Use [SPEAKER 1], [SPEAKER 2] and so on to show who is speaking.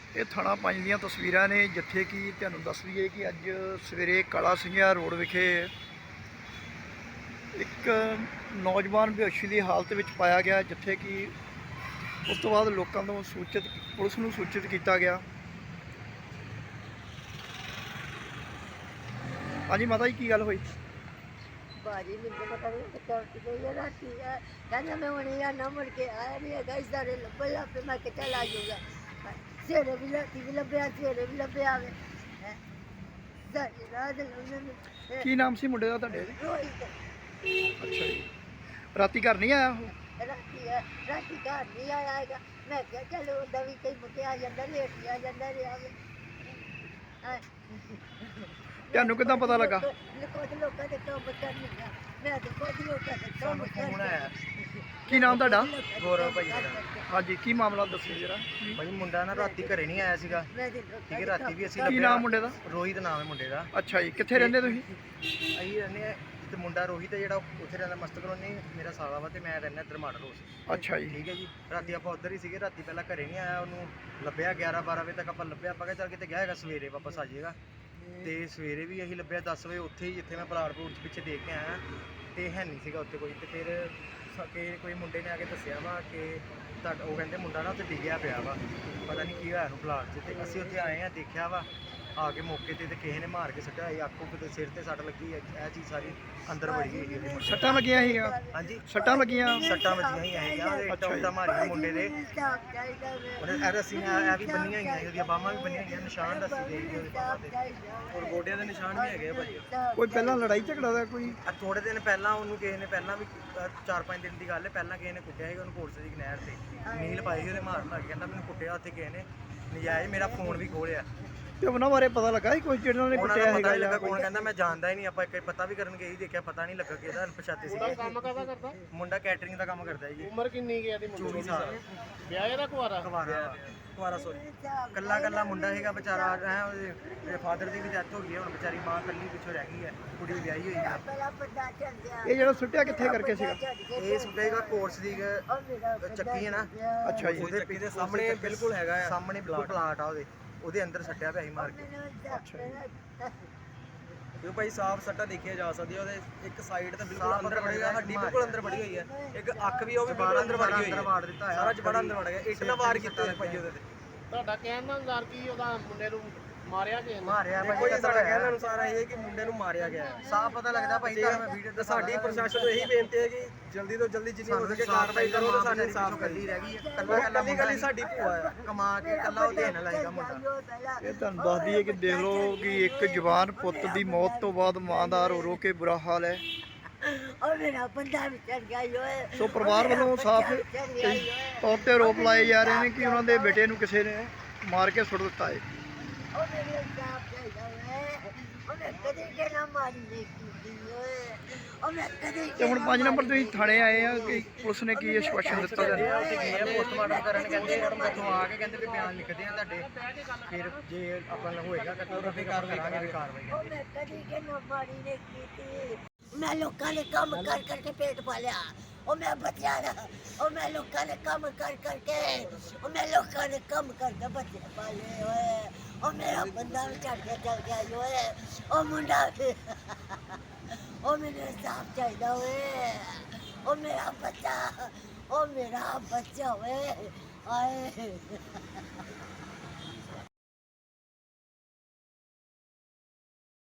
[SPEAKER 1] ਇਹ ਥਾਣਾ ਪੰਜ ਦੀਆਂ ਤਸਵੀਰਾਂ ਨੇ, ਜਿੱਥੇ ਕਿ ਤੁਹਾਨੂੰ ਦੱਸ ਦਈਏ ਕਿ ਅੱਜ ਸਵੇਰੇ ਕਾਲਾ ਸਿੰਘਾ ਰੋਡ ਵਿਖੇ ਇੱਕ ਨੌਜਵਾਨ ਬੇਹੋਸ਼ੀ ਦੀ ਹਾਲਤ ਵਿੱਚ ਪਾਇਆ ਗਿਆ, ਜਿੱਥੇ ਕਿ ਉਸ ਤੋਂ ਬਾਅਦ ਲੋਕਾਂ ਤੋਂ ਪੁਲਿਸ ਨੂੰ ਸੂਚਿਤ ਕੀਤਾ ਗਿਆ। ਹਾਂਜੀ ਮਾਤਾ ਜੀ, ਕੀ ਗੱਲ ਹੋਈ?
[SPEAKER 2] भाजी मुझे पता नहीं सिक्योरिटी गई है रात की है, कहना मैं उन्हें यार ना मुड़ के आया नहीं है गाइस सारे लब्बे लब्बे मैं के चला जाऊंगा सवेरे भी लब्बे सवेरे भी लब्बे आवे हैं सारी रात उन्होंने
[SPEAKER 1] ਕੀ ਨਾਮ ਸੀ ਮੁੰਡੇ ਦਾ ਤੁਹਾਡੇ?
[SPEAKER 2] रोहित
[SPEAKER 1] ਅੱਛਾ ਜੀ, ਰਾਤੀ ਘਰ ਨਹੀਂ ਆਇਆ ਉਹ?
[SPEAKER 2] राती घर नहीं आएगा। मैं क्या चलो उदा भी कई मुके आ जाता लेट आ जाता रहा
[SPEAKER 1] ਤੁਹਾਨੂੰ ਕਿੱਦਾਂ ਪਤਾ ਲੱਗਾ?
[SPEAKER 2] कुछ लोगों के काम करनी है, मैं तो कुछ लोगों के काम
[SPEAKER 3] ਫੋਨ ਆਇਆ
[SPEAKER 1] ਕੀ ਨਾਮ ਤੁਹਾਡਾ?
[SPEAKER 3] ਗੌਰਵ ਭਾਈ ਮੇਰਾ।
[SPEAKER 1] ਹਾਂਜੀ, ਕੀ ਮਾਮਲਾ ਦੱਸੋ ਜਰਾ।
[SPEAKER 3] ਭਾਈ ਮੁੰਡਾ ਨਾ ਰਾਤੀ ਘਰੇ ਨਹੀਂ ਆਇਆ ਸੀਗਾ, ਠੀਕ ਹੈ। ਰਾਤੀ ਵੀ ਅਸੀਂ
[SPEAKER 1] ਕੀ ਨਾਮ ਮੁੰਡੇ ਦਾ?
[SPEAKER 3] ਰੋਹਿਤ ਨਾਮ ਹੈ ਮੁੰਡੇ ਦਾ।
[SPEAKER 1] ਅੱਛਾ ਜੀ, ਕਿੱਥੇ ਰਹਿੰਦੇ ਤੁਸੀਂ?
[SPEAKER 3] ਅਸੀਂ ਰਹਿੰਦੇ ਆ ਤੇ ਮੁੰਡਾ ਰੋਹਿਤ ਹੈ ਜਿਹੜਾ ਉੱਥੇ ਰਹਿੰਦਾ ਮਸਤ ਕਲੋਨੀ, ਮੇਰਾ ਸਾਲਾ ਵਾ ਤੇ ਮੈਂ ਰਹਿੰਦਾ ਇੱਧਰ ਮਾਡਲ ਹਾਊਸ।
[SPEAKER 1] ਅੱਛਾ ਜੀ,
[SPEAKER 3] ਠੀਕ ਹੈ ਜੀ। ਰਾਤੀ ਆਪਾਂ ਉੱਧਰ ਹੀ ਸੀਗੇ, ਰਾਤੀ ਪਹਿਲਾਂ ਘਰੇ ਨਹੀਂ ਆਇਆ, ਉਹਨੂੰ ਲੱਭਿਆ 11-12 ਵਜੇ ਤੱਕ ਆਪਾਂ ਲੱਭਿਆ, ਆਪਾਂ ਕਿਹਾ ਚੱਲ ਕਿਤੇ ਗਿਆ ਹੈਗਾ, ਸਵੇਰੇ ਵਾਪਸ ਆ ਜਾਏਗਾ। ਤੇ ਸਵੇਰੇ ਵੀ ਅਸੀਂ ਲੱਭਿਆ 10 ਵਜੇ ਉੱਥੇ ਹੀ, ਜਿੱਥੇ ਮੈਂ ਪਲਾਟ ਪਲੂਟ ਪਿੱਛੇ ਦੇਖ ਕੇ ਆਇਆ, ਤੇ ਹੈ ਨਹੀਂ ਸੀਗਾ ਉੱਥੇ ਕੋਈ। ਤੇ ਫਿਰ ਕੋਈ ਮੁੰਡੇ ਨੇ ਆ ਕੇ ਦੱਸਿਆ ਵਾ ਕਿ ਉਹ ਕਹਿੰਦੇ ਮੁੰਡਾ ਨਾ ਉੱਥੇ ਡਿੱਗਿਆ ਪਿਆ ਵਾ, ਪਤਾ ਨਹੀਂ ਕੀ ਹੋਇਆ ਉਹਨੂੰ ਪਲਾਟ 'ਚ। ਤੇ ਅਸੀਂ ਉੱਥੇ ਆਏ ਆ, ਦੇਖਿਆ ਵਾ ਆ ਕੇ ਮੌਕੇ ਤੇ ਕਿਸੇ ਨੇ ਮਾਰ ਕੇ ਸੁੱਟਿਆ ਸੀ, ਆਖੋ ਕਿਤੇ ਸਿਰ ਤੇ ਸੱਟ ਲੱਗੀ ਹੈ, ਇਹ ਚੀਜ਼ ਸਾਰੀ ਅੰਦਰ ਵੜੀ ਹੋਈ ਹੈ।
[SPEAKER 1] ਸੱਟਾਂ ਲੱਗੀਆਂ ਸੀਗਾ?
[SPEAKER 3] ਹਾਂਜੀ,
[SPEAKER 1] ਸੱਟਾਂ ਲੱਗੀਆਂ?
[SPEAKER 3] ਸੱਟਾਂ ਵੱਜੀਆਂ ਹੀ ਆਏਗਾ, ਇੱਟਾਂ ਮਾਰੀਆਂ ਮੁੰਡੇ ਦੇ। ਉਹਨੇ ਇਹ ਰੱਸੀ ਇਹ ਵੀ ਬੰਨੀਆਂ ਹੋਈਆਂ, ਉਹਦੀਆਂ ਬਾਹਾਂ ਵੀ ਬੰਨੀਆਂ ਹੋਈਆਂ, ਨਿਸ਼ਾਨ ਰੱਸੀ ਦੇ ਉਹਦੇ ਬਾਹਾਂ ਤੇ, ਔਰ ਗੋਡਿਆਂ ਦੇ ਨਿਸ਼ਾਨ ਵੀ ਹੈਗੇ ਆ ਭਾਜੀ।
[SPEAKER 1] ਕੋਈ ਪਹਿਲਾਂ ਲੜਾਈ ਝਗੜਾ ਦਾ ਕੋਈ?
[SPEAKER 3] ਥੋੜੇ ਦਿਨ ਪਹਿਲਾਂ ਉਹਨੂੰ ਕਿਸੇ ਨੇ, ਪਹਿਲਾਂ ਵੀ 4-5 ਦਿਨ ਦੀ ਗੱਲ ਹੈ, ਪਹਿਲਾਂ ਕਿਸੇ ਨੇ ਕੁੱਟਿਆ ਸੀ ਉਹਨੂੰ ਕੋਰਸ ਦੀ ਨਹਿਰ ਤੇ, ਨੀਲ ਪਾਈ ਸੀ ਉਹਨੇ ਮਾਰਨ ਲੱਗ, ਕਹਿੰਦਾ ਮੈਨੂੰ ਕੁੱਟਿਆ ਉੱਥੇ ਕਿਸੇ ਨੇ ਨਜਾਇਜ਼, ਮੇਰਾ ਫੋਨ ਵੀ ਖੋਲਿਆ।
[SPEAKER 1] ਤੇ ਉਹਨਾਂ ਬਾਰੇ ਪਤਾ ਲੱਗਾ ਸੀ ਕੋਈ ਜਿਹੜਾ ਨੇ ਕੁੱਟਿਆ ਹੈਗਾ?
[SPEAKER 3] ਲੱਗਾ ਕੌਣ, ਕਹਿੰਦਾ ਮੈਂ ਜਾਣਦਾ ਹੀ ਨਹੀਂ, ਆਪਾਂ ਇੱਕ ਪਤਾ ਵੀ ਕਰਨ ਗਏ ਹੀ, ਦੇਖਿਆ ਪਤਾ ਨਹੀਂ ਲੱਗਾ ਕਿਹਦਾ, ਅਣਪਛਾਤੇ ਸੀ।
[SPEAKER 4] ਕੰਮ ਕਰਦਾ
[SPEAKER 3] ਮੁੰਡਾ ਕੈਟਰਿੰਗ ਦਾ ਕੰਮ ਕਰਦਾ ਜੀ।
[SPEAKER 4] ਉਮਰ ਕਿੰਨੀ ਗਿਆ ਦੀ ਮੁੰਡੇ
[SPEAKER 3] 24 ਸਾਲ।
[SPEAKER 4] ਵਿਆਹ ਦਾ ਕੁਆਰਾ
[SPEAKER 3] ਕੁਆਰਾ ਸੋਰੀ, ਕੱਲਾ ਮੁੰਡਾ ਹੈਗਾ ਵਿਚਾਰਾ। ਐ ਉਹਦੇ ਫਾਦਰ ਦੀ ਵੀ ਡੈਥ ਹੋ ਗਈ ਹੈ, ਹੁਣ ਵਿਚਾਰੀ ਮਾਂ ਕੱਲੀ ਪਿੱਛੋਂ ਰਹਿ ਗਈ ਹੈ, ਕੁੜੀ ਵਿਆਹੀ ਹੋਈ ਹੈ।
[SPEAKER 1] ਇਹ ਜਿਹੜਾ ਸੁੱਟਿਆ ਕਿੱਥੇ ਕਰਕੇ ਸੀਗਾ?
[SPEAKER 3] ਇਹ ਸੁਣੇਗਾ ਕੋਰਸ ਦੀ ਚੱਕੀ ਹੈ ਨਾ।
[SPEAKER 1] ਅੱਛਾ ਜੀ,
[SPEAKER 3] ਉਹਦੇ ਪਿੱਛੇ ਸਾਹਮਣੇ ਬਿਲਕੁਲ ਹੈਗਾ ਆ, ਸਾਹਮਣੇ ਬਿਲਕੁਲ ਪਲਾਟ ਆ ਉਹਦੇ ਅੰਦਰ ਸੱਟਿਆ ਪਿਆ ਸੀ ਮਾਰ ਕੇ।
[SPEAKER 4] ਕਿਉਂ ਭਾਈ ਸਾਫ ਸੱਟਾ ਦੇਖਿਆ ਜਾ ਸਕਦੀ ਹੈ, ਉਹਦੇ ਇੱਕ ਸਾਈਡ ਤੇ ਬਿਲਕੁਲ ਅੰਦਰ ਵੜੀ ਹੋਈ, ਹੱਡੀ ਬਿਲਕੁਲ ਅੰਦਰ ਵੜੀ ਹੋਈ ਹੈ, ਇੱਕ ਅੱਖ ਵੀ ਉਹ ਵੀ ਬਿਲਕੁਲ ਅੰਦਰ ਵੜੀ ਹੋਈ ਹੈ,
[SPEAKER 3] ਵਾੜ ਦਿੱਤਾ ਹੈ
[SPEAKER 4] ਸਾਰਾ ਜਬੜਾ ਅੰਦਰ ਵੜ ਗਿਆ, ਇੱਟ ਨਾਲ ਵਾਰ ਕੀਤੇ ਹੋਏ ਭਾਈ ਉਹਦੇ ਤੇ। ਤੁਹਾਡਾ ਕਹਿਣ ਦਾ ਅਨੁਸਾਰ ਕੀ ਉਹਦਾ ਮੁੰਡੇ ਨੂੰ ਮਾਰਿਆ ਗਿਆ?
[SPEAKER 3] ਮਾਰਿਆ ਭਾਈ,
[SPEAKER 4] ਕੋਈ ਸਾਡਾ ਕਹਿਣ ਦਾ ਅਨੁਸਾਰ ਇਹ ਹੈ ਕਿ ਮੁੰਡੇ ਨੂੰ ਮਾਰਿਆ ਗਿਆ ਹੈ,
[SPEAKER 3] ਸਾਫ ਪਤਾ ਲੱਗਦਾ ਭਾਈ। ਤਾਂ ਮੈਂ ਵੀਡੀਓ ਤੇ
[SPEAKER 4] ਸਾਡੀ ਪ੍ਰਸ਼ਾਸਨ ਨੂੰ ਇਹੀ ਬੇਨਤੀ ਹੈ ਕਿ ਜਲਦੀ ਤੋਂ ਜਲਦੀ ਜਿੰਨੀ ਹੋ ਸਕੇ ਕਾਰਵਾਈ ਕਰੋ ਤੇ ਸਾਨੂੰ ਇਨਸਾਫ
[SPEAKER 3] ਕੱਲੀ ਰਹਿ ਗਈ ਹੈ,
[SPEAKER 4] ਕੱਲੀ ਸਾਡੀ ਭੂਆ ਹੈ,
[SPEAKER 3] ਕਮਾ ਕੇ ਕੱਲਾ ਉਹ ਦੇਣ ਲਾਏਗਾ ਮੁੰਡਾ।
[SPEAKER 1] ਇਹ ਤੁਹਾਨੂੰ ਦੱਸ ਦਈਏ ਕਿ ਦੇਖ ਲਓ ਕਿ ਇੱਕ ਜਵਾਨ ਪੁੱਤ ਦੀ ਮੌਤ ਤੋਂ ਬਾਅਦ ਮਾਂ ਦਾ ਰੋ ਕੇ ਬੁਰਾ ਹਾਲ ਹੈ।
[SPEAKER 2] और मेरा बंदा भी चढ़ गया यो है।
[SPEAKER 1] ਸੋ ਪਰਿਵਾਰ ਵੱਲੋਂ ਸਾਫ਼ ਤੌਰ ਤੇ ਆਰੋਪ ਲਾਏ ਜਾ ਰਹੇ ਨੇ ਕਿ ਉਹਨਾਂ ਦੇ ਬੇਟੇ ਨੂੰ ਕਿਸੇ ਨੇ ਮਾਰ ਕੇ ਸੁੱਟ ਦਿੱਤਾ ਹੈ।
[SPEAKER 2] और मेरे साथ चढ़ गया है, और मैं कभी के ना मारी नहीं की है, और मैं कभी
[SPEAKER 1] ਤੇ ਹੁਣ 5 ਨੰਬਰ ਤੁਸੀਂ ਥਾਣੇ ਆਏ ਆ ਕਿ ਪੁਲਿਸ ਨੇ ਕੀ ਆਸ਼ਵਾਸਨ ਦਿੱਤਾ ਤੁਹਾਨੂੰ?
[SPEAKER 3] ਉੱਥੇ ਗਏ ਆ ਪੋਸਟਮਾਰਟਮ ਕਰਨ, ਕਹਿੰਦੇ ਉੱਥੋਂ ਆ ਕੇ ਕਹਿੰਦੇ ਵੀ ਬਿਆਨ ਲਿਖਦੇ ਆ ਤੁਹਾਡੇ, ਫਿਰ ਜੇ ਆਪਾਂ ਨੂੰ ਹੋਏਗਾ ਤਾਂ ਫਿਰ ਕਰਾਂਗੇ ਵੀ ਕਾਰਵਾਈ।
[SPEAKER 2] और मैं कभी के ना मारी नहीं की थी। मैं लोगों ने काम कर करके पेट पालिया, और मैं बचिया रहा, और मैं लोगों ने काम कर करके, और मैं लोगों ने काम करके बच्चे पाले हुए, और मेरा बंदा भी चढ़ के चल गया जो है, और मुंडा भी और मेरे साफ चाहिए हुए, और मेरा बच्चा हुए आए